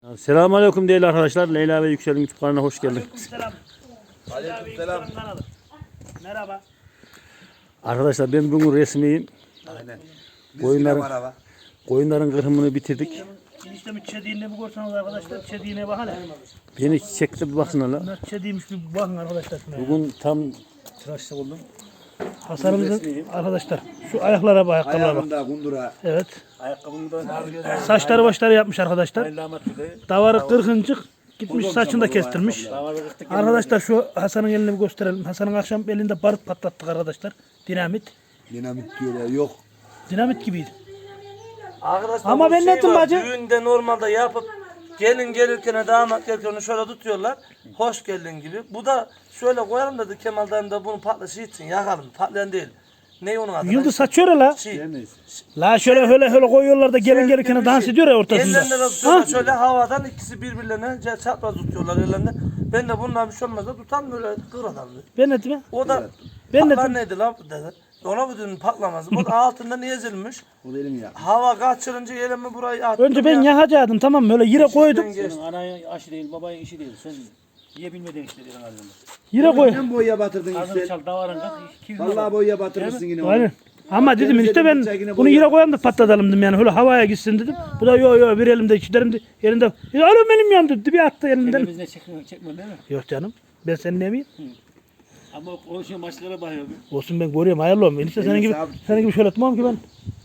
Selamünaleyküm değerli arkadaşlar. Leyla ve Yüksel'in YouTube kanalına hoş geldiniz. Aleykümselam. Aleykümselam. Merhaba. Arkadaşlar ben bugün resmiyim. Aynen. Koyunların kırımını bitirdik. Eniştemin çediğine bir görürseniz arkadaşlar. Çediğine bakın hele. Beni çekti bir bakın hala. Bunlar çediğiymiş bir bakın arkadaşlar. Bugün tam tıraşta oldum. Hasan'ımızın arkadaşlar şu ayaklara bak, ayakkabılara bak. Ayağında kundura. Evet. Ayakkabımı da Saçları başları yapmış arkadaşlar. Davarı kırkıncık gitmiş saçını da kestirmiş. Arkadaşlar şu Hasan'ın elini bir gösterelim. Hasan'ın akşam elinde barut patlattık arkadaşlar. Dinamit. Dinamit diyorlar yok. Dinamit gibiydi. Arkadaşlar Ama bu ben netim var, bacı? düğünde normalde yapıp gelin gelirken damat gelirken onu şöyle tutuyorlar. Hoş geldin gibi. Bu da şöyle koyalım dedi Kemal dayım da bunu patlaşı için yakalım. Patlayan değil. Ne onun adı? Yıldız saçıyor ya la. Neyse. La şöyle koyuyorlar da gelin gelirken dans ediyor ya ortasında. Ellerinde de tutuyorlar şöyle havadan ikisi birbirlerine çapraz tutuyorlar ellerinde. Ben de bundan bir şey olmaz da tutan böyle kır adam dedi. Ben netim ya? O da Ben patlar netim. neydi lan dedi. Ona bu dedim patlamaz. O da altından ezilmiş. O da elim ya. Hava kaçırınca elimi burayı attım. Önce ben yakacaktım tamam mı? Öyle yere koydum. senin anayın aşı değil, babayın işi değil. Sen yiyebilmediğin işte diyelim halinde. Yere koy. Sen boya batırdın Hazır Yüksel. çal davarın kat. Vallahi boya batırırsın yine onu. Aynen. Ama dedim işte ben bunu yere koyalım da patlatalım dedim yani öyle havaya gitsin dedim. Bu da yo bir elimde içlerim de yerinde. Alo benim yandı bir attı elinden. Elimizde çekme değil mi? Yok canım. Ben senin ne miyim? Ama o şey maçlara bakıyor. Olsun ben görüyorum hayırlı olsun. Enişte senin gibi şöyle tutmam ki ben.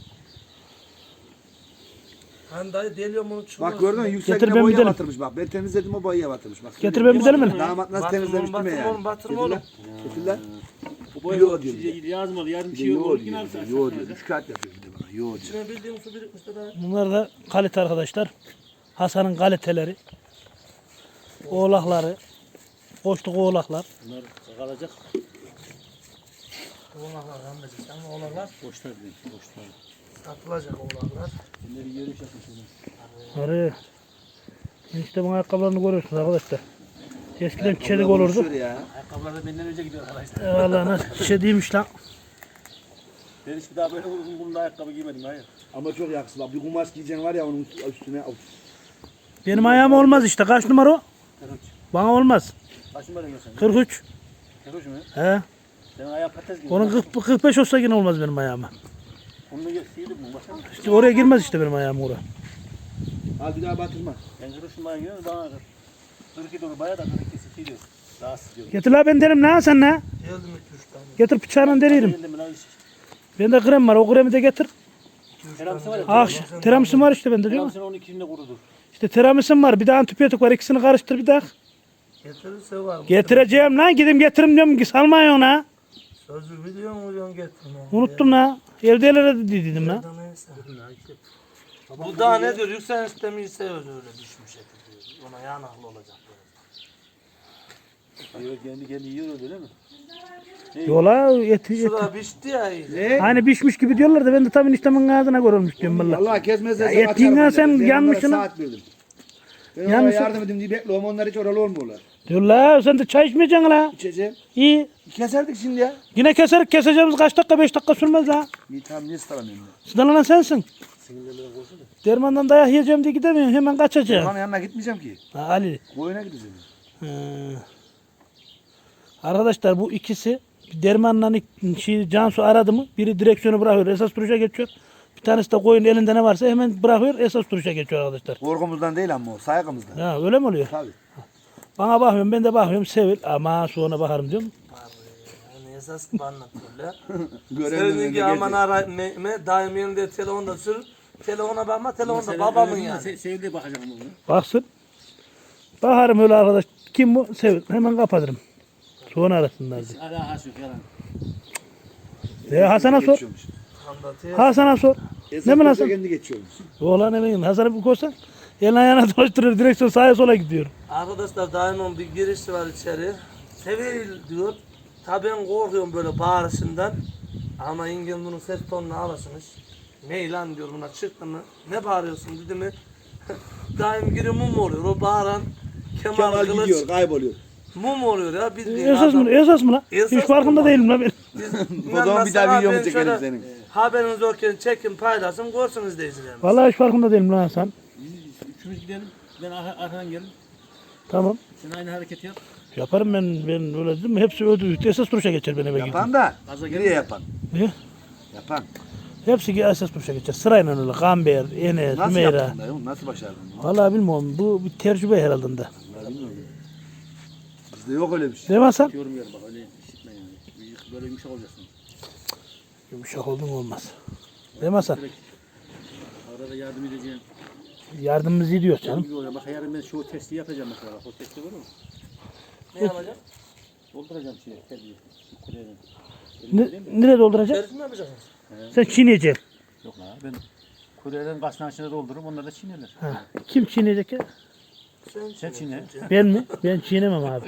Hani dayı deliyorum onu çıkıyor. Bak gördün mü Yüksel Getir yine ben boya gidelim. batırmış bak. Ben temizledim o boya batırmış bak. Getir ben gidelim mi? Damat nasıl temizlemiş değil mi yani? Batırma oğlum. Getir lan. Bu boy Yo diyor. yazmadı. Yarın bir şey Yo olur. diyor. Yine Yo diyor. 3 kağıt yapıyor bir de bana. Yo diyor. İçine bildiğim su birikmiş de daha. Bunlar da kalite arkadaşlar. Hasan'ın kaliteleri. Oğlakları. Boşluk oğlaklar. Bunlar kalacak. Oğlaklar anlayacağız ama oğlaklar Boşlar değil. Boşlar. satılacak oğlaklar. Bunları yürüyüş yapmışlar. Arı. İşte bu ayakkabılarını görüyorsunuz arkadaşlar. Eskiden çelik olurdu. Şöyle ya. Ayakkabılar da benden önce gidiyor arkadaşlar. Vallahi nasıl çediymiş lan. Ben hiç bir daha böyle uzun bunda ayakkabı giymedim. Hayır. Ama çok yakışıklı. Bak bir kumaş giyeceksin var ya onun üstüne. Of. Benim ayağım olmaz işte. Kaç numara o? 43. Bana olmaz. Kaç numara yiyorsun? 43. 43 mü? He. Senin ayağı patates gibi. Onun 45 olsa yine olmaz benim ayağıma. Onunla sıyırdık mı? Baksana. İşte oraya girmez işte benim ayağım oraya. Al bir daha batırma. Ben 43 numara giyiyorum. Bana 42 doğru bayağı da 42 sıyırıyor. Daha sıkıyor. Getir la ben derim ne sen ne? Geldim 2-3 tane. Getir bıçağıyla deririm. Geldim lan. Bende krem var. O kremi de getir. Teramisi var ya. Tiramisu var işte bende değil mi? Teramisi 12'sinde kurudur. İşte tiramisu var. Bir de antibiyotik var. İkisini karıştır bir daha. Getirirse var mı? Getireceğim lan. Gidip getirim diyorum ki salmayın ona. Sözü biliyor mu diyorsun getirme. Unuttum la. Evdelere de dedim la. Neyse. Bu daha ne diyor? Yükselen istemiyse öyle düşmüş eti diyor. Ona yanaklı olacak. Kendi yiyor öyle mi? Yola eti. Şurada pişti ya iyice. Hani pişmiş gibi diyorlar da ben de tabii eniştemin ağzına görülmüş diyorum valla. Allah kesmezse Ya ettiğinden sen yanmışsın ha. Saat verdim. Ben Yanlış- onlara yardım edeyim diye bekliyorum. Onlar hiç oralı olmuyorlar. Diyor la sen de çay içmeyeceksin la. İçeceğim. İyi. Keserdik şimdi ya. Yine keserek keseceğimiz kaç dakika 5 dakika sürmez la. İyi tamam niye sıralamıyorum ben? Sıdalanan sensin. Dermandan dayak yiyeceğim diye gidemiyorsun hemen kaçacaksın. Onun yanına gitmeyeceğim ki. Ha, Ali. Koyuna gideceğim. Arkadaşlar bu ikisi dermanla Cansu aradı mı biri direksiyonu bırakıyor esas duruşa geçiyor. Bir tanesi de koyun elinde ne varsa hemen bırakıyor esas duruşa geçiyor arkadaşlar. Korkumuzdan değil ama o saygımızdan. Ha, öyle mi oluyor? Tabii. Bana bakıyorum ben de bakıyorum Sevil ama sonra bakarım diyorum. Yani esas gibi anlatıyorlar. Görenin önüne Seninki aman gelecek. ara daim yanında telefonda sür. Telefona bakma telefonda babamın yani. Sevdiğe bakacağım bunu. Baksın. Bakarım öyle arkadaş. Kim bu? Sevil. Hemen kapatırım. Sonra arasınlar diye. Alakası yok yalan. Hasan'a sor. Geçiyormuş. Anlatıyor. Hasan'a sor. Esas Ne mi koysa nasıl? kendi geçiyormuş. Oğlan emeğin. Hasan'a bir koysan. Elini ayağına dolaştırır. Direksiyon sağa sola gidiyor. Arkadaşlar daimin bir girişi var içeri. Sevil diyor. Tabii ben korkuyorum böyle bağırışından. Ama İngil bunun ses tonunu alasınız. Ne lan diyor buna çıktı mı? Ne bağırıyorsun dedi mi? Daim giriyor mum oluyor. O bağıran Kemal Kemal Kılıç gidiyor kayboluyor. mum oluyor ya. Bildiğin Esas mı? adam. Esas mı lan? Esas Hiç farkında mı? değilim lan ben. O zaman bir daha videomu çekelim senin. Haberiniz yokken çekin paylaşın görsün izleyicilerimiz. Vallahi hiç farkında değilim lan Hasan. Üçümüz gidelim. Ben arkadan gelin. Tamam. Sen aynı hareketi yap. Yaparım ben öyle dedim mi? Hepsi öldü. Esas duruşa geçer ben eve gidince. Yapan da. Gaza Nereye gelme. yapan? Ne? Yapan. Hepsi esas duruşa geçer. Sırayla öyle. Gamber, Enes, Nasıl Hümeyra. yaptın dayı? Nasıl başardın? Vallahi bilmiyorum. Bu bir tecrübe herhalde de. Bizde yok öyle bir şey. Değil mi Hasan? Yorum yer bak öyle işitme yani. Böyle yumuşak olacaksın. Yumuşak oldun olmaz. Değil mi Hasan? Arada yardım edeceğim. Yardımımız iyi diyor canım. Canım. Bak yarın ben şu testi yapacağım mesela. O testi var mı? Ne yapacağım? Dolduracağım şeyi. Terbiye. Kuleden. Nereye dolduracak? Şerif mi yapacaksın? Sen çiğneyeceksin. Yok la ben kuleden kasnağın içine doldururum. Onlar da çiğnerler. Ha. Kim çiğneyecek ya? Sen çiğne. Ben mi? Ben çiğnemem abi.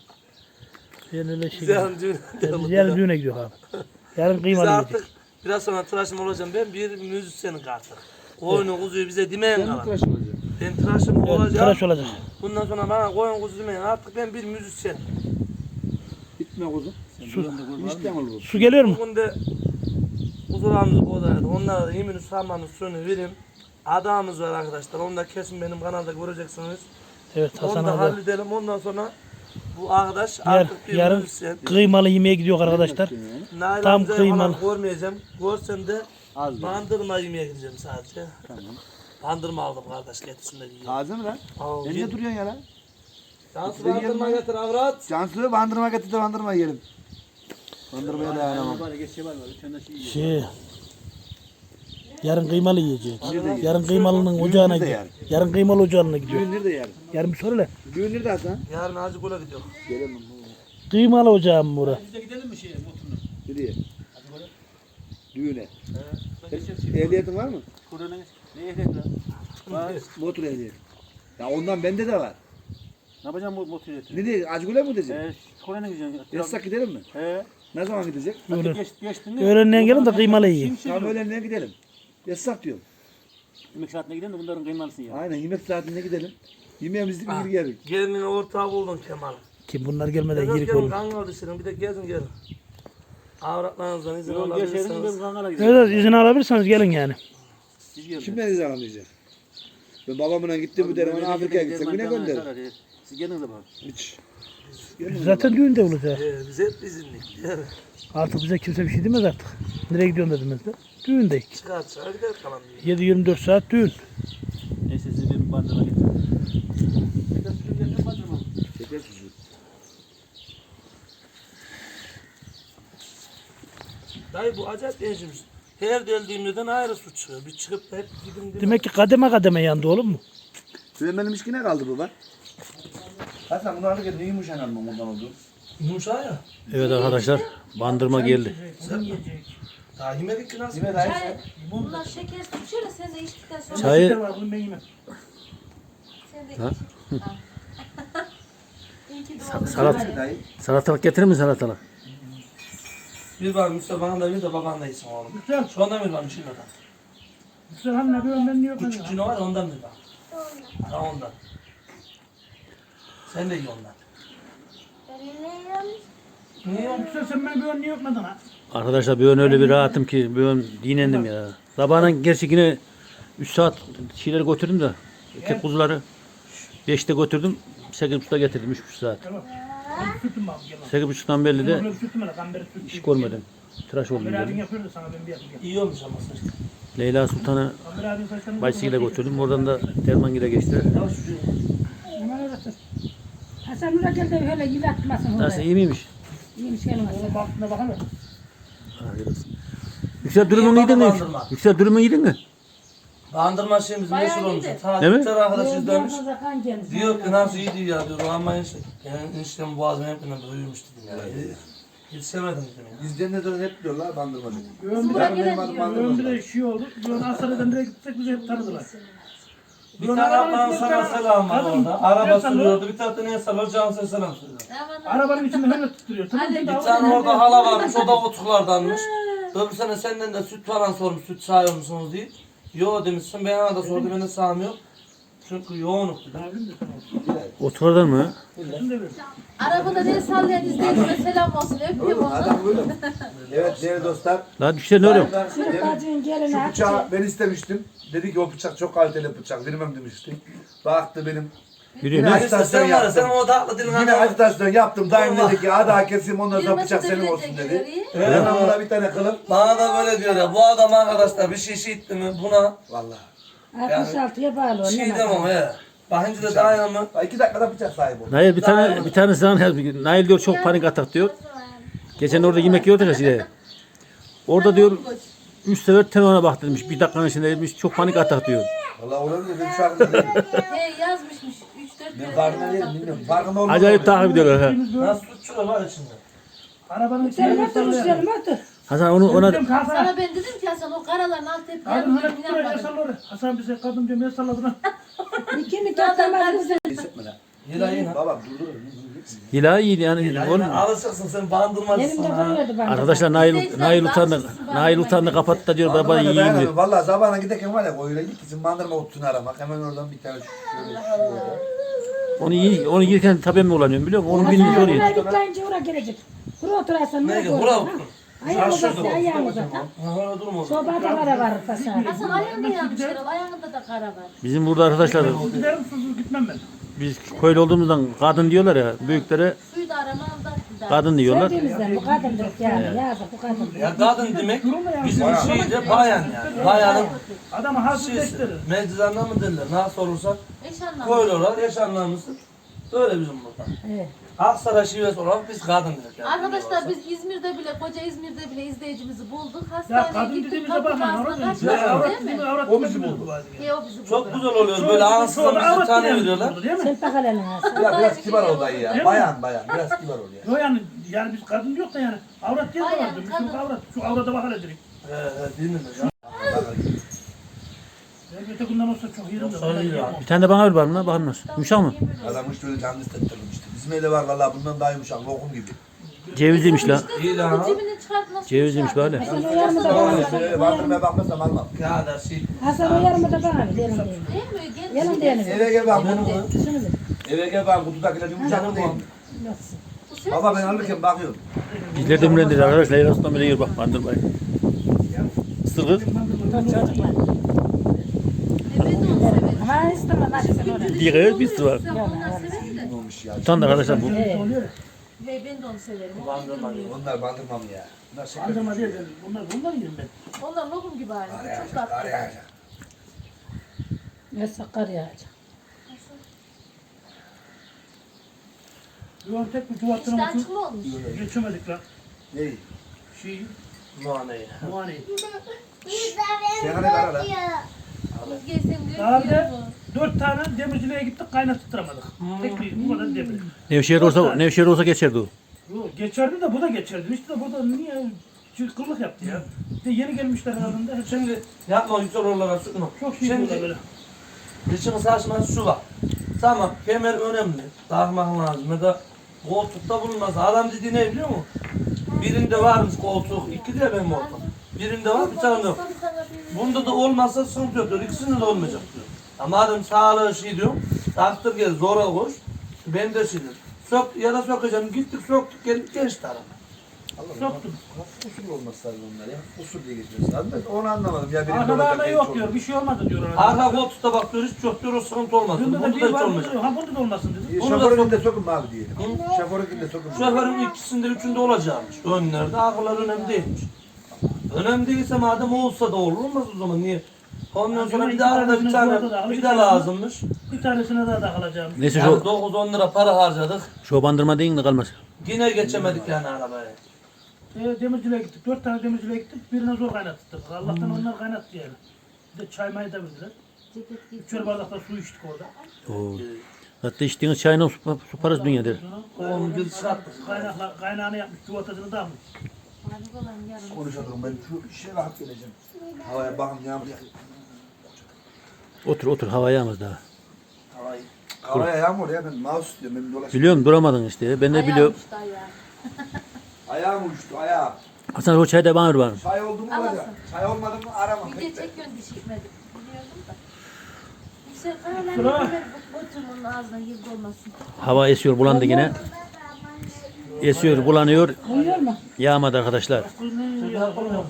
Ben öyle şey. Yarın düğüne Biz yarın düğüne gidiyor abi. Yarın Biz kıymalı artık yiyecek. biraz sonra tıraşım olacağım. Ben bir müzisyenim artık. Koyunu kuzuyu bize demeyen kalan. Ben tıraşım Evet, olacağım. tıraş olacak. Bundan sonra bana koyun kuzu demeyin. Artık ben bir müzisyen. Gitme kuzum. İşten olur. Su geliyor mu? Bugün de kuzularımızı boğdaydı. Onlara da yemini sarmanın suyunu vereyim. Adamımız var arkadaşlar. Onu da kesin benim kanalda göreceksiniz. Evet Onu Hasan da abi. halledelim. Ondan sonra bu arkadaş artık bir Yarın müzisyen. kıymalı yemeğe gidiyor arkadaşlar. Nail tam amcayı kıymalı. falan görmeyeceğim. Görsen de Az bandırma yemeye gideceğim sadece. Tamam. Bandırma aldım kardeş getirsin de yiyeyim. Taze mi lan? Al, Sen git. ne duruyorsun ya lan? Cansu Yiyelim bandırma lan. getir avrat. Cansu'yu bandırma getir de bandırma yiyelim. Bandırmaya dayanamam. Bari geçe var. Üçünden şey yiyor. Şey. Yarın kıymalı yiyecek. Yarın kıymalının ocağına nerede gidiyor. yani? Yarın kıymalı ocağına gidiyor. Düğün nerede yarın? Yarın bir soru le. Düğün nerede Hasan? Yarın Hacı Gül'e gidiyor. Gelemem. Kıymalı ocağım mı bura? Biz de gidelim mi şeye motoruna? Nereye? Hadi böyle. Düğüne. Ben geçerim şimdi. Ehliyetin var mı? Kur'an'a geç. Ne ehliyet lan? Var. Motor ehliyeti. Ya ondan bende de var. Ne yapacağım bu motor ehliyeti? Nereye? Acgül'e mi gidecek? Kur'an'a gideceğim. Yasak gidelim mi? He. Ne zaman gidecek? Öyle. Geçtin mi? Öğlenden gelin de kıymalı yiyin. Tam öğlenliğe gidelim. Yasak diyorum. Yemek saatine gidelim de bunların kıymalısın ya. Aynen yemek saatinde gidelim. Yemeğimizi bir geri geldik. Gelinin ortağı buldum Kemal. Kim bunlar gelmeden Biraz yirik gelin olur. kangal düşelim. Bir de gezin gelin. Avratlarınızdan izin Yok geçelim ben alabilirsiniz. Kangal'a gidelim. Evet izin alabilirseniz gelin yani. Siz gelin. Kim beni zannedecek? Ben babamla gittim bu derim. Afrika'ya gitsem yine gönderim. Siz gelin de bak. Hiç. Biz zaten düğünde olacak. Biz hep izinlik. Artık bize kimse bir şey demez artık. Nereye gidiyorsun dediğimizde. Düğündeyiz. Çıkar gider kalan diye. 7-24 saat düğün. Neyse sizi bir bandırma getirin. Şeker suyu getirin bandırma. Şeker suçu. Dayı bu acayip değişmiş. Her deldiğimden ayrı su çıkıyor. Bir çıkıp da hep gidin değil mi? Demek ki kademe kademe yandı oğlum mu? Benim işkine kaldı bu bak. Hasan bunu alırken ne yumuşan almam ondan oldu? Yumuşak ya. Evet arkadaşlar bandırma geldi. Daha yemedik ki nasıl? Yine dayı. Bunlar şeker suçuyor da sen de içtikten sonra Çayı Bunu ben yemem. sen de Ha? iç. Al. İyi ki doğdun. salat Dayı. salatalık getirir mi salatalık? Bir var Mustafa'nın da bir de baban da iyisin oğlum. Güzel. Şu anda bir var bir şey var. Güzel hanım ne diyorum ben niye yok? Küçük cino var ondan bir var. Ha ondan. Sen de iyi ondan. Niye yok? Güzel sen ben diyorum niye yokmadın ha? Arkadaşlar bir ön öyle bir rahatım ki bir ön dinlendim ya. Sabahın gerçi yine 3 saat şeyleri götürdüm de tek kuzuları 5'te götürdüm 8.30'da getirdim 3,5 saat. Tamam. Sütüm abi gel. 8.30'dan belli de Böyle sütüm hele kamberi sütüm. iş görmedim. Tıraş oldum Kamber abin dedim. yapıyordu sana ben bir yapayım. İyi olmuş ama saç. Leyla Sultan'ı Kamber abin saçlarını... Baysi'yle götürdüm. Oradan da Dermangil'e geçtiler. Yavaş çocuğum. Hasan Nur'a gel de öyle yılatmasın Nasıl oraya. iyi miymiş? İyiymiş gelmez. Oğlum baktığına bakalım. Yüksel dürümünü yedin mi? bandırma. Yüksel dürümünü yedin mi? Bandırma şeyimiz Bayağı meşhur olmuş. iyiydi. Değil mi? Bir tane arkadaş izlemiş. Yolda kan gelmiş. Diyor ki nasıl iyi diyor ya diyor. Ama işte. Yani eniştem boğazım hep uyumuş dedim ya. Yetişemedim dedim ya. Bizden de sonra hep diyorlar bandırmacı. Sıra gelen Ömrüm bir de şey oldu. Diyorsun Asar'dan direkt gitsek bizi hep tanıdılar. Bir tane ablanın sana selam var Kadın, orada. Araba el sallıyor. sürüyordu. Bir tarafta neye sallıyor? Cansu'ya selam söylüyor. Arabanın içinde öyle tutturuyor. Hadi Bir tane orada hala varmış. O da otuklardanmış. Öbür sene senden de süt falan sormuş. Süt sağıyor musunuz diye. Yo demişsin. Ben ona da sordu. Ben de sağmıyor. Çünkü yoğunluktu. Oturdan mı? Arabada ne sallayan izleyicime selam olsun. Öpüyorum onu. Adam böyle mi? Evet değerli dostlar. Lan düşer ne oluyor? Şurada bacığın gelini Şu açtı. bıçağı ben istemiştim. Dedi ki o bıçak çok kaliteli bıçak. Vermem demişti. Baktı benim. Yürüyor Yine ne? acitasyon Sen var ya sen yaptım. o tatlı dilin Yine acitasyon yaptım. Dayım dedi ki hadi ha keseyim ondan sonra Yirmi bıçak senin bilecek olsun dedi. ileriyi. Ben buna bir tane kılıp. Bana da böyle diyor ya bu adam arkadaşlar bir şey itti mi buna Vallahi. 66'ya bağlı o. şey ne demem var? he. Bakınca da dayanamı. 2 dakikada bıçak sahibi oldu. Nail bir tane sana Nail diyor çok panik atak diyor. Geçen orada yemek yiyorduk ya size. Orada diyor 3 sefer telefona bak demiş. Bir dakikanın içinde demiş çok panik atak diyor. Vallahi olabilir. Ben şu anda değilim. He yazmışmış. 3-4 Ben kere. farkında değilim. Bilmiyorum. Farkında olmadım. Acayip takip ediyorlar ha. Nasıl suçlular var içinde. Arabanın Sen içine otur güzelim otur. Hasan ona Sana ben dedim ki Hasan o karaların alt hep Kadın yanmış. hala tutuyor ya salları. Hasan bize kadın diyor ya salladı lan. İkini katlamaz güzel. Hissetme lan. Yine yine. Baba durdur. Hila iyiydi yani. Yine Oğlum, alışırsın sen bandırmacısın Elimde ha. duruyordu bana. arkadaşlar Nail utandı kapattı da diyor baba yiyeyim diyor. Valla sabahına giderken var ya öyle gitsin bandırma otunu aramak. Hemen oradan bir tane şöyle Onu yerken tabii mi kullanıyorum biliyor musun? Onun bilinci Buraya oraya. gitmeyince oraya gelecek. Buraya oturarsan Ne ne ki olur? bura ha? otur. Ayağını Şaşırdım. uzat, ayağını uzat. ha? Ha öyle durma. Sobada kara var fasar. Hasan ayağında yanmış herhalde. Ayağında da kara var. Bizim burada arkadaşlar Giderim susuz gitmem ben. biz köylü olduğumuzdan kadın diyorlar ya büyüklere Suyu da aramam da. kadın diyorlar. Sevdiğimizden bu kadındır yani. Yazık bu kadın. Ya kadın demek bizim şeyde bayan yani. Bayanın Adamı şeysi. hazırlaştırır. Meczanlar mı derler? Nasıl olursa Eş anlamlı. koyuyorlar. Yaşanlarımız böyle bizim burada. Evet. Aksaray şivesi olarak biz kadın dedik yani. Arkadaşlar biz İzmir'de bile, koca İzmir'de bile izleyicimizi bulduk. Ya Hastaneye kadın gittik, dediğimize kapı bakma. ağzına Avrat kaçtık dediğimize avrat değil dediğimize mi? avrat O bizi dediğimize buldu. He o bizi Çok buldu. güzel oluyor. Böyle ansızın bize tane veriyorlar. Değil mi? Sen bak hele nasıl. Biraz kibar ol dayı ya. Değil mi? Bayan biraz kibar ol ya. Yok yani biz kadın yok da yani. Avrat diye de Bayan, vardı. kadın. Şu avrat. Şu avrata bak hele direkt. Değil mi? Ya? Yani ötekinden olsa çok yerim de. Yoksa iyi ya. Bir tane de bana ver bana bakalım nasıl. Yumuşak mı? Adam hiç böyle canlı hissettirdim işte. Bizim evde var valla bundan daha yumuşak lokum gibi. Cevizliymiş la. İyi lan. Cebini çıkart nasıl Cevizliymiş böyle. Hasan o yarımı da bana ver. Bandırmaya bakmasam almam. Ya da şey. Hasan o yarımı da bana ver. Yerim diyelim. Değil mi? Genç Yerim diyelim. Eve gel bak. Şunu ver. Eve gel bak kutudakiler yumuşak mı değil mi? Nasıl? Bu ses Baba ben alırken bakıyorum. Bizler de mürendir arkadaşlar. Leyla Sultan böyle yer bak bandırmayı. Isırgı. Çocuklar. ben de onu severim. Ama istemem hadi sen oraya. Bir kere bir su var. Sen onlar severim de. Ne olmuş ya? Utandı arkadaşlar bu. Ve ben de onu severim. O Bandırma bilmiyorum. Onlar bandırmam ya. Bunlar şeker. Bandırma değil. Bunlar yerim ben. Onlar lokum gibi aynı. Çok tatlı. Araya. Ne sakar yağacak. Yuvan tek bir tuvattına İşte uçup açık mı olmuş? geçemedik lan. Ney? Şey, Muhaneyi. muhaneyi. Sen hani kara lan. Kız gelsin diyor Daha ki bir de yok mu? 4 tane demirciliğe gittik kaynattıramadık. Tek bir bu kadar demir. Nevşehir olsa geçerdi o. Yo, geçerdi de bu da geçerdi. İşte de burada niye kıllık yaptı ya. Bir de yeni gelmişler herhalde. Hep Şimdi yapma yüksel oralara sıkma. çok şey diyorlar Şimdi böyle. dışını saçması şu var. Tamam kemer önemli. Takmak lazım ya da koltukta bulunmaz. Adam dediği ne biliyor musun? Birinde varmış koltuk, iki de benim ortam. Birinde var bir tane yok. Bunda da olmazsa sıkıntı yok diyor. İkisinde de olmayacak diyor. Ama madem sağlığı şey diyorum, taktır gel zora koş. Ben de şey diyorum. Sök ya da sökeceğim. Gittik söktük geldik geçti araba. Soktum. Usul olması lazım onlar ya. Usul diye geçiyoruz. Ben onu anlamadım ya. Benim Arkalarda yok diyor. Bir şey olmadı diyor. Arka koltukta bak diyor hiç yok diyor o sıkıntı olmaz. Bunda Bunda da da bir hiç var. olmayacak. Ha bunda da olmasın dedi. Şoförün de sokun mu abi diyelim. Şoförün de sokun. Şoförün ikisinde üçünde olacakmış. Önlerde arkalar önemli değilmiş. Önemli değilse madem olsa da olur olmaz o zaman niye? Ondan sonra bir de arada bir tane bir de lazımmış. Bir tanesine daha takılacağım. Neyse Yani şu 9-10 lira para harcadık. şu bandırma deyin de kalmaz. Yine geçemedik yani arabaya. Demirciliğe gittik. 4 tane demirciliğe gittik. Birine zor kaynattık. Allah'tan onlar kaynattı yani. Bir de çay mayı da verdiler. Üçer bardakta su içtik orada. Oo. Hatta içtiğiniz çayla su parası dünya der. Oğlum bir sattık. Kaynağını yapmış. Çuvatasını da almış. Konuşalım ben şu işe rahat geleceğim. Havaya bakın yağmur yağıyor. Otur hava yağmaz daha. Havaya yağmur ya ben mouse diyorum ben dolaşıyorum. Biliyorum duramadın işte. Ben de biliyorum. Ayağım uçtu ayağım. Hasan o çayı da bana ver bana. Çay oldu mu olacak? Çay olmadı mı aramam. Video çekiyorsun diş gitmedik. Biliyordum da. Yüksel kayalarını götürün onun ağzına girdi olmasın. Hava esiyor, bulandı yine. Esiyor, bulanıyor. Uyuyor mu? Yağmadı arkadaşlar. Yok bir tane atalım.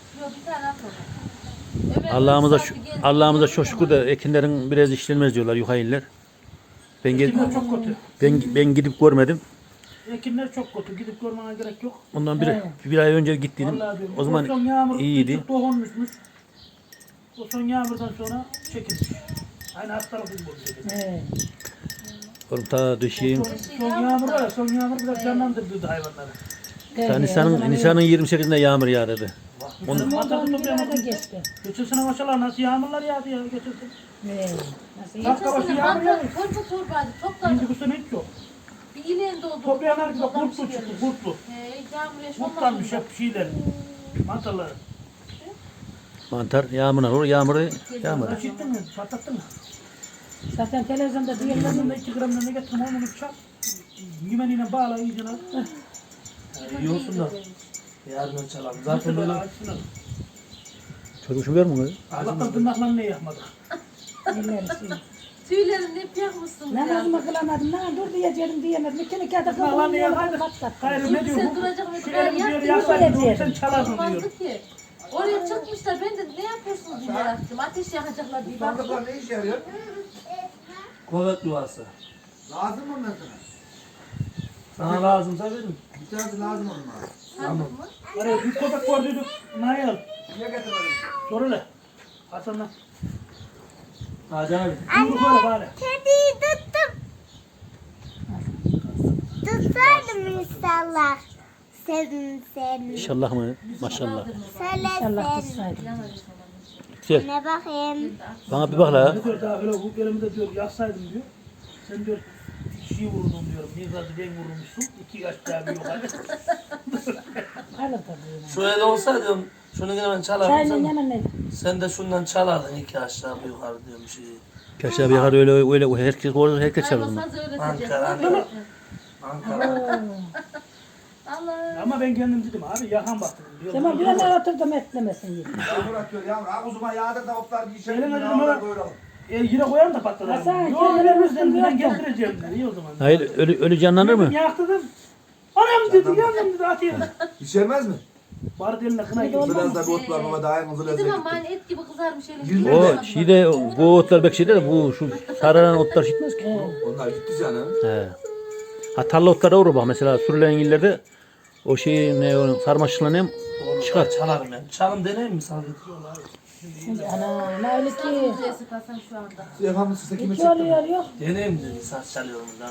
Ömer Allah'ımıza saati geldi. Allah'ımıza çok şükür de ekinlerin biraz işlenmez diyorlar yukarılar. Ekinler çok kötü. Ben gidip görmedim. Ekinler çok kötü. Gidip görmene gerek yok. Ondan bir ay önce gittiydim. Vallahi diyorum. O zaman son yağmur iyiydi. küçük dokunmuşmuş. O son yağmurdan sonra çekilmiş. Aynı hastalık gibi oldu. He. oğlum ta düşeyim. Son yağmur var ya, son yağmur biraz canlandırdı hayvanları. Ta Nisan'ın 28'inde yağmur yağdı. Onun Ondan bir arada geçti. geçen sene maşallah nasıl yağmurlar yağdı ya geçen sene. He. Nasıl iyi? Dakika başı Geçen yağmur sene yağıyor. torba torbaydı topladım. Şimdi bu sene hiç yok. Bir ileğin doldu. Toplayanlar gibi Toplamış kurtlu çıktı, gelmiş. kurtlu. Yağmur yaşamadı. Kurtlanmış hep şeyler. Mantarları. Mantar yağmurlar olur, yağmuru yağmadı. Açıktın mı? Patlattın mı? Zaten televizyonda diyorlar. Yanında 2 gramdan ne getirdim onu çak. Yümeniyle bağla iyice. İyi olsun da. Yarın çalalım. Zaten böyle Çocuk şu ver mi? Allah'tan tırnaklarını ne yapmadık. Elleri suyu. Tüylerini hep yakmışsınız ya. Namazımı kılamadım. Lan dur diyeceğim diyemedim. İki kağıda Tırnaklarını kıldım. yapmadık. Patlattı. Hayır ne diyor Sen bu? duracak mı? Şu Ben elimi diyor yaktım. yaksaydın sen çalarsın diyor. Olmazdı ki. Oraya çıkmışlar. Ben de ne yapıyorsunuz diye yarattım. Ateş yakacaklar diye baktım. Sandıklar ne işe yarıyor? kuvvet duası. Lazım mı ondan sonra? Sana lazımsa verin. Bir tanesi lazım olmaz. Sandık mı? Oraya bir köpek gördüydük. Nail. Niye getirmedin? Sor hele. Hasan'la. Hadi abi. Yumruk öyle bari. Kediyi tuttum. Tutsaydım inşallah. Sevim. İnşallah mı? Maşallah. Söyle Allah sevim. tutsaydı. Güzel. Ne bakayım. Bana bir bak la. Ne diyor daha öyle bu elimde diyor yaksaydım diyor. Sen diyor kişiyi vurdun diyorum. Bir gazı ben vurmuşsun. 2 yaş daha bir yukarı. Alır tabii. Şu el olsaydı şunu yine ben çalardım. Çayının Sen, yanına ne? sen de şundan çalardın 2 aşağı bir yukarı diyorum bir şey. Kaşar bir yakar öyle herkes orada herkes çalar mı? Hayvan sazı öğreteceğiz. Ankara, Ankara. Ankara. Allah. Ama ben kendim dedim abi yakan baktım. Diyor. Tamam bir yana oturdum etlemesin diye. Yağmur atıyor yağmur. Ağzıma yağdır da otlar bir işe. Elime dedim Yağmur ona. böyle. Yine koyarım da patladı. Hasan, Yok kendine elimizden vurdun, ben yok. getireceğim dedi. İyi o zaman. Hayır ölü canlanır mı? Yaktı dedim. Anam dedi yandım dedi atayım. İçermez mi? Bari eline kına gibi. Biraz da bir ot var baba daha en hızlı Bizim lezzet. ama hani et gibi kızarmış elin. Yüzme O şeyde bu otlar bek şeyde de bu şu sararan otlar gitmez ki. Onlar gitti canım. He. Ha tarla otları olur bak mesela sürülen illerde o şeyi ne o sarmaşıkla ne çıkar. Çalarım ben. Çalım deneyim mi sana? Ana ne öyle ki. Sesi Hasan şu anda. Efendim size kime Hiç çekti? oluyor yok. Deneyim dedi. Saç çalıyorum ben.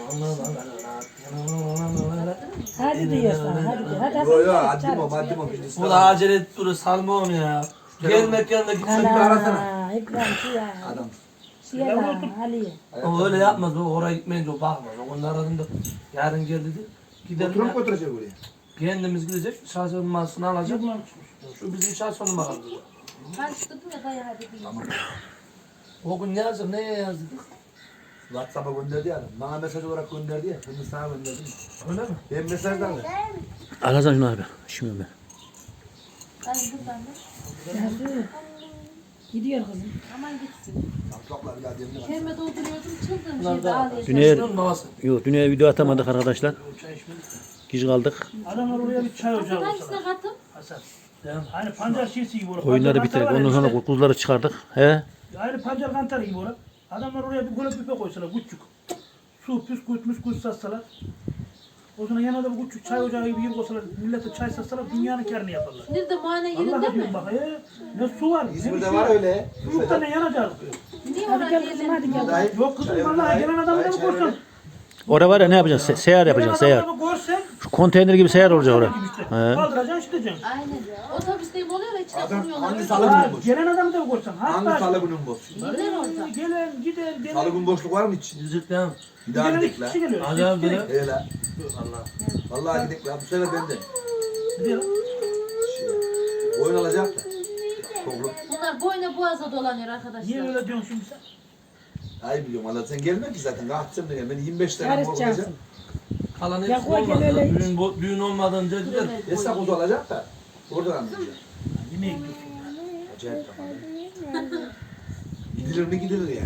Hadi diyorsan hadi diyor. Hadi Yo yo Hasan haddim o çağır. haddim o. Bu da acele et duru salma onu ya. Gelmek yanında gitsin. Ana İbrahim şu ya. Adam. Şu ya lan Ali. O öyle yapmaz. O oraya gitmeyince o bakmaz. O onu aradım da yarın gel dedi. Gidelim Oturup ya. götürecek oraya. Kendimiz gidecek. Şahsen numarasını alacak. Şu bizim şahsen numaramız. Karıştırdım ya bayağı dedi. O gün ne yazdık? Neye yazdık? WhatsApp'a gönderdi ya adam. Bana mesaj olarak gönderdi ya. Bunu sana gönderdim. Öyle mi? Ben mesajdan da. Al Hasan şunu abi. Şimdi ben. Ben buradan da. Hadi. Gidiyor kızım. Aman gitsin. Çocuklar bir daha demine bak. Kendime dolduruyordum çıldırmış Bunlar evde da- ağlayacak. Dünya Şunun babası. yok dünya video atamadık arkadaşlar. Geç kaldık. Adamlar oraya bir çay ocağı Hangisine olsalar. katım? Hasan. Değil mi? Aynı pancar şişesi gibi olur. Oyunları Pancar bitirdik. kantarı var Ondan ya sonra işte. kuzuları çıkardık. He. Aynı pancar kantarı gibi olur. Adamlar oraya bir golep büfe koysalar küçük. Su püskürtmüş satsalar. O zaman yanında bir küçük çay ocağı gibi yer koysalar, millete çay satsalar dünyanın kârını yaparlar. Nerede muayene Allah yerinde diyorum mi? bak ne su var. İzmir'de var öyle. Çocukta ne yanacak? Niye Hadi ona gel kızım hadi gel. Dayı, Yok kızım çay vallahi öyle, gelen adamı da çay mı korsan? öyle. Orada var ya ne yapacaksın? Seyahat yapacaksın seyahat. Gelen adamı görsen Şu konteyner gibi seyahat olacak orada. He. kaldıracaksın işleyeceksin. Aynen. Otobüsteyim oluyor ya içine Adam koyuyorlar. hangi öyle salı oluyor. günü boş? Gelen adamı da mı görsen? Hangi Hatta salı günün boş? Gider orada. gelen gider Salı gelen. gün boşluk var mı hiç? Yüzük değil mi? Bir daha Gelen gidelim iki la. kişi geliyor. Hadi abi İki bile. kişi. He la. Allah. Vallahi gidelim la. Bu sefer ben de. Gidiyor. Oyun alacak da. Toplum. Bunlar boyuna boğaza dolanıyor Niye arkadaşlar. öyle diyorsun şimdi sen? Ay biliyorum Allah sen gelme ki zaten. Kalkacağım da gel. Beni 25 tane mor olacak. Karışacaksın. Kalan Ya hepsi koy gel öyle olmaz. hiç. Düğün olmadan önce gider. Esnaf kuzu alacak da. Oradan anlayacağım. Yemeğe gidiyorsun. Acayip tamam. Gidilir mi gidilir yani.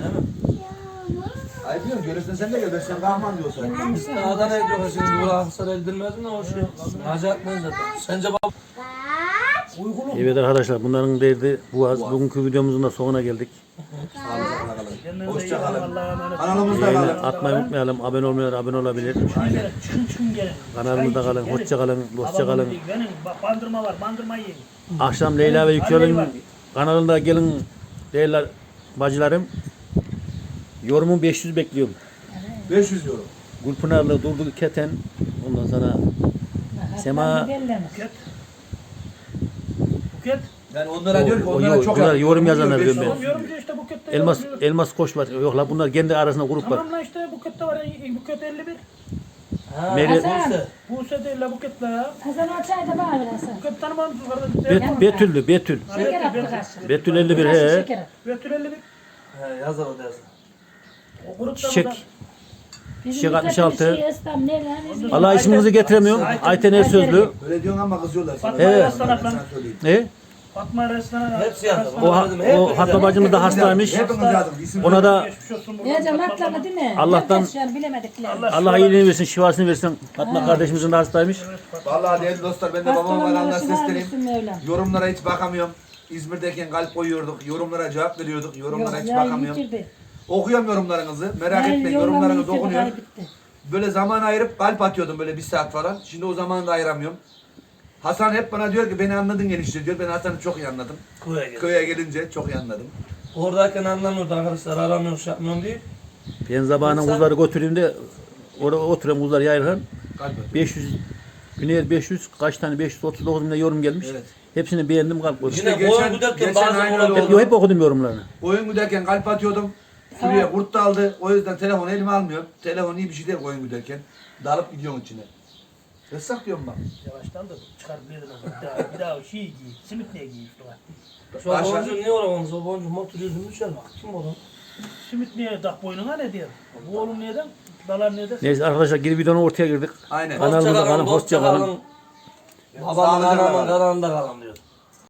Ay diyorum görürsen sen de gel. Ben sen kahraman diyorsan. İşte Adana'ya diyor şimdi buraya Aksaray'a edilmez mi o şey? Acayip mi zaten? Sence baba? Evet arkadaşlar bunların derdi bu az. Bugünkü videomuzun da sonuna geldik. Hoşça kalın. Allah'a emanet. Kanalımızda Yayını kalın. atmayı unutmayalım. Abone olmayanlar abone olabilir. Çıkın gelin. Kanalımızda kalın. Hoşça kalın. Dostça kalın. Benim bandırma var. Bandırma yiyin. Akşam Leyla ve Yüksel'in kanalında gelin değerli bacılarım. Yorumu 500 bekliyorum. 500 euro. Gülpınarlı, Durdu Keten. Ondan sonra Sema. Buket. Yani onlara diyor ki O- onlara çok bunlar yakın. yorum yazanlar Diyor, diyorum ben. Yorumcu işte Buket'te Elmas yorumcu. Elmas Koç var. Yok la bunlar kendi arasında grup var. Tamam lan işte Buket'te var. Buket 51. Ha, Meri- neyse. Buse değil la Buket'te ya. Hasan o çayda bana ver Hasan. Buket tanımam mısın kardeşim? Betül'dü Betül. Şeker attı karşı. Betül 51 Karşı he. şeker attı. Betül 51. He yazar o dersin. O grupta Çiçek. burada. Bizim Çiçek bir 66. şey İslam ne lan? Bizim- Allah isminizi getiremiyorum. Ayten Ersözlü. Öyle diyorsun ama kızıyorlar sana. Fatma Evet. Restan Ben ablam. sana söyleyeyim. Ne? Fatma Restan. Hepsi yazdı. O Fatma bacımız da hastaymış. Hepimiz yazdık. İsim Ona da Geçmiş olsun buradan. Diyeceğim atlama değil mi? Allah'tan- Herkes şu an bilemedikler. Allah iyiliğini versin, şifasını versin. Fatma kardeşimizin de hastaymış. Vallahi değerli dostlar ben de babamın Hastalanmaları kanalına şifa sesleneyim. versin Mevlam. Yorumlara hiç bakamıyorum. İzmir'deyken kalp koyuyorduk. Yorumlara cevap veriyorduk. Yorumlara hiç Yayın bakamıyorum. bitirdi. Okuyorum yorumlarınızı. Merak Yayın etmeyin. yollamayı Yorumlarınız bitirdi, okunuyor. kaybetti. Böyle zaman ayırıp kalp atıyordum böyle 1 saat falan. Şimdi o zamanı da ayıramıyorum. Hasan hep bana diyor ki beni anladın enişte diyor. Ben Hasan'ı çok iyi anladım. Köye gel. Köye gelince çok iyi anladım. Oradayken anlamıyordu arkadaşlar. Aramıyorum, şey yapmıyorum değil. Ben zamanın kuzları götüreyim de orada oturan kuzlar yayılırken Kalp atıyor. 500 Güney 500 kaç tane 539 bin de yorum gelmiş. Evet. Hepsini beğendim kalp koydum. Yine geçen- boyun güderken geçen bazen aynı olabilir. öyle Yo, hep okudum yorumlarını. Oyun güderken kalp atıyordum. Suriye kurt da aldı. O yüzden telefonu elime almıyorum. Telefon iyi bir şey değil oyun güderken. Dalıp gidiyorum içine. Yasak diyorum bak. Yavaştan da çıkar bir yerden. Bir daha şey giy. Simit niye giy üstüne? Şu an Aşağı- boncuğu niye olamamız? O boncuğu motor yüzünü düşer bak. Kim o lan? Simit niye tak boynuna ne diyor? Bu oğlum neden? Dalar neden? Neyse arkadaşlar geri videonun ortaya girdik. Aynen. Kanalımıza kalın, hoşça kalın. Babamın Sağlıcakla anamın kalın. kanalında kalın diyor.